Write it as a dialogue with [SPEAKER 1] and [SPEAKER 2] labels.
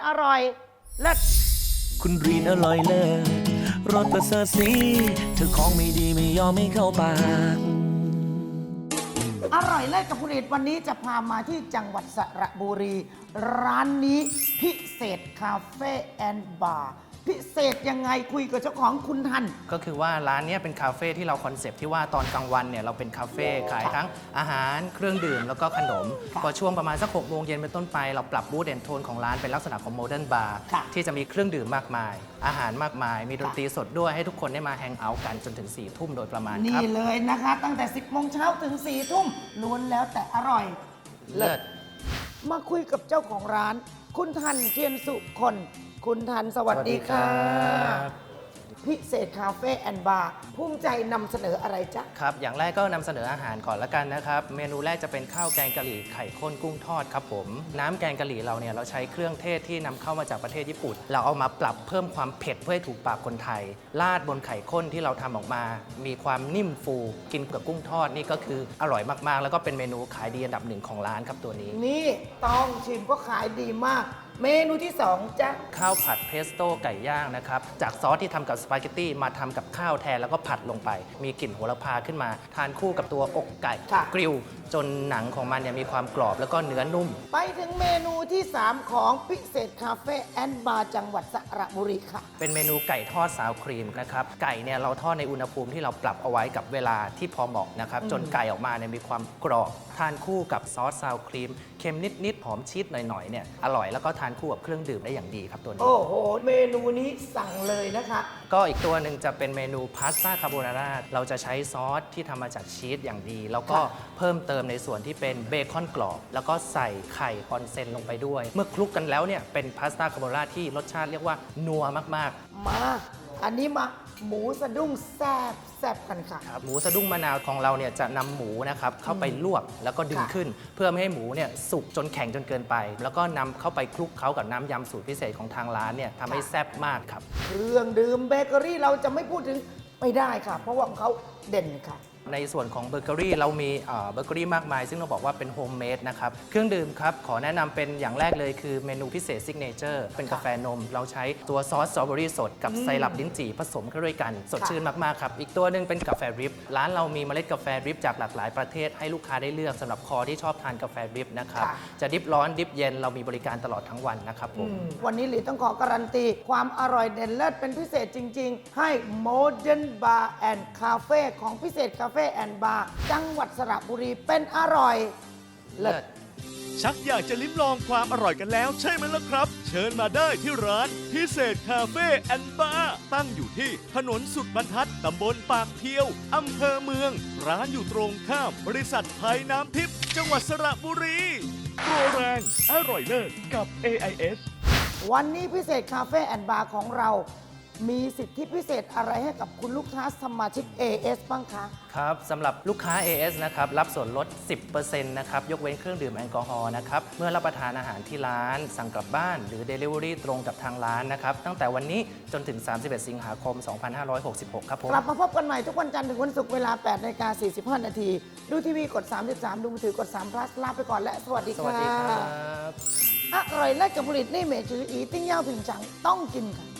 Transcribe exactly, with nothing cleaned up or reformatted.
[SPEAKER 1] อร่อยเลิศ
[SPEAKER 2] คุณรีนอร่อยเลิศรสประเสริฐสีเธอของไม่ดีไม่ยอมไม่เข้าปาก
[SPEAKER 1] อร่อยเลิศกับคุณเอกวันนี้จะพามาที่จังหวัดสระบุรี ร้านนี้พิเศษคาเฟ่แอนด์บาร์พิเศษยังไงคุยกับเจ้าของคุณทัน
[SPEAKER 3] ก็คือว่าร้านนี้เป็นคาเฟ่ที่เราคอนเซปต์ที่ว่าตอนกลางวันเนี่ยเราเป็นคาเฟ่ขายทั้งอาหารเครื่องดื่มแล้วก็ขนมพอช่วงประมาณสักหกโมงเย็นเป็นต้นไปเราปรับบูธแอนด์โทนของร้านเป็นลักษณะของโมเดิร์นบาร์ที่จะมีเครื่องดื่มมากมาย อาหารมากมายมีดนตรีสดด้วยให้ทุกคนได้มาแฮงเอาท์กันจนถึงสี่ทุ่มโดยประมาณครับ
[SPEAKER 1] นี่เลยนะคะตั้งแต่สิบโมงเช้าถึงสี่ทุ่มล้วนแล้วแต่อร่อย
[SPEAKER 3] เลิศ
[SPEAKER 1] มาคุยกับเจ้าของร้านคุณทันเทียนสุคนคุณทันสวัสดีค่ะพิเศษคาเฟ่แอนด์บาร์ภูมิใจนำเสนออะไรจ๊ะ
[SPEAKER 3] ครับอย่างแรกก็นำเสนออาหารก่อนละกันนะครับเมนูแรกจะเป็นข้าวแกงกะหรี่ไข่ข้นกุ้งทอดครับผมน้ำแกงกะหรี่เราเนี่ยเราใช้เครื่องเทศที่นำเข้ามาจากประเทศญี่ปุ่นเราเอามาปรับเพิ่มความเผ็ดเพื่อให้ถูกปากคนไทยราดบนไข่ข้นที่เราทำออกมามีความนิ่มฟูกินกับกุ้งทอดนี่ก็คืออร่อยมากๆแล้วก็เป็นเมนูขายดีอันดับหนึ่งของร้านครับตัวนี้
[SPEAKER 1] นี่ต้องชิมก็ขายดีมากเมนูที่สองจ๊ะ
[SPEAKER 3] ข้าวผัดเพสโต้ไก่ย่างนะครับจากซอสที่ทำกับสปาเกตตี้มาทำกับข้าวแทนแล้วก็ผัดลงไปมีกลิ่นโหระพาขึ้นมาทานคู่กับตัวอกไก่กริลจนหนังของมันเนี่ยมีความกรอบแล้วก็เนื้อนุ่ม
[SPEAKER 1] ไปถึงเมนูที่สามของพิเศษคาเฟ่แอนด์บาร์จังหวัดสระบุรีค่ะ
[SPEAKER 3] เป็นเมนูไก่ทอดซาวครีมนะครับไก่เนี่ยเราทอดในอุณหภูมิที่เราปรับเอาไว้กับเวลาที่พอเหมาะนะครับจนไก่ออกมาเนี่ยมีความกรอบทานคู่กับซอสซาวครีมเค็มนิดๆหอมชีสหน่อยๆเนี่ยอร่อยแล้วก็ทานคู่กับเครื่องดื่มได้อย่างดีครับตัวนี้
[SPEAKER 1] โอ้โหเมนูนี้สั่งเลยนะคะ
[SPEAKER 3] ก็อีกตัวหนึ่งจะเป็นเมนูพาสต้าคาโบนาร่าเราจะใช้ซอสที่ทำมาจากชีสอย่างดีแล้วก็เพิ่มเติมในส่วนที่เป็นเบคอนกรอบแล้วก็ใส่ไข่ออนเซนลงไปด้วยเมื่อคลุกกันแล้วเนี่ยเป็นพาสต้าคาโบนาร่าที่รสชาติเรียกว่านัวมาก
[SPEAKER 1] ๆมาอันนี้มาหมูสะดุ้งแซ่บแซ่บกันค่ะ
[SPEAKER 3] หมูสะดุ้งมะนาวของเราเนี่ยจะนำหมูนะครับเข้าไปลวกแล้วก็ดึงขึ้นเพื่อไม่ให้หมูเนี่ยสุกจนแข็งจนเกินไปแล้วก็นำเข้าไปคลุกเคล้ากับน้ำยำสูตรพิเศษของทางร้านเนี่ยทำให้แซ่บมากครับ
[SPEAKER 1] เครื่องดื่มเบเกอรี่เราจะไม่พูดถึงไม่ได้ค่ะเพราะว่าของเขาเด่นค่ะ
[SPEAKER 3] ในส่วนของเบเกอรี่เรามีเบเกอรี่มากมายซึ่งเราบอกว่าเป็นโฮมเมดนะครับเครื่องดื่มครับขอแนะนำเป็นอย่างแรกเลยคือเมนูพิเศษซิกเนเจอร์เป็นกาแฟนมเราใช้ตัวซอสสตรอเบอรี่สดกับไซรัปลิ้นจี่ผสมเข้าด้วยกันสดชื่นมากๆครับอีกตัวหนึ่งเป็นกาแฟดริปร้านเรามีเมล็ดกาแฟดริปจากหลากหลายประเทศให้ลูกค้าได้เลือกสำหรับคอที่ชอบทานกาแฟดริปนะครับจะดริปร้อนดริปเย็นเรามีบริการตลอดทั้งวันนะครับผม
[SPEAKER 1] วันนี้หลีต้องขอการันตีความอร่อยเด่นเลิศเป็นพิเศษจริงๆให้ Modern Bar and Cafe ของพิเศษคาเฟ่แอนด์บาร์จังหวัดสระบุรีเป็นอร่อยเลิศ
[SPEAKER 4] ชักอยากจะลิ้มลองความอร่อยกันแล้วใช่ไหมล่ะครับเชิญมาได้ที่ร้านพิเศษคาเฟ่แอนด์บาร์ตั้งอยู่ที่ถนนสุดบรรทัดตำบลปากเพียวอำเภอเมืองร้านอยู่ตรงข้ามบริษัทไทยน้ำทิพย์จังหวัดสระบุรีโปรแรงอร่อยเลิศกับ เอ ไอ เอส
[SPEAKER 1] วันนี้พิเศษคาเฟ่แอนด์บาร์ของเรามีสิทธิพิเศษอะไรให้กับคุณลูกค้าสมาชิก เอ เอส บ้างคะ
[SPEAKER 3] ครับสำหรับลูกค้า เอ เอส นะครับรับส่วนลด สิบเปอร์เซ็นต์ นะครับยกเว้นเครื่องดื่มแอลกอฮอล์นะครับเมื่อรับประทานอาหารที่ร้านสั่งกลับบ้านหรือ Delivery ตรงกับทางร้านนะครับตั้งแต่วันนี้จนถึง สามสิบเอ็ด สิงหาคม สองพันห้าร้อยหกสิบหก ครับผม
[SPEAKER 1] กลับมาพบกันใหม่ทุกวันจันทร์ถึงวันศุกร์เวลา แปดนาฬิกาสี่สิบห้า นาทีดูทีวีกดสามสิบสามดูมือถือกดสาม plus ลาไปก่อนและสวัสดีค่ะ
[SPEAKER 3] สวัสดีครับ
[SPEAKER 1] อร่อยและกับผลิตนี่เมจืออีติ้งเย่าผิงฉังต้องกินค่ะ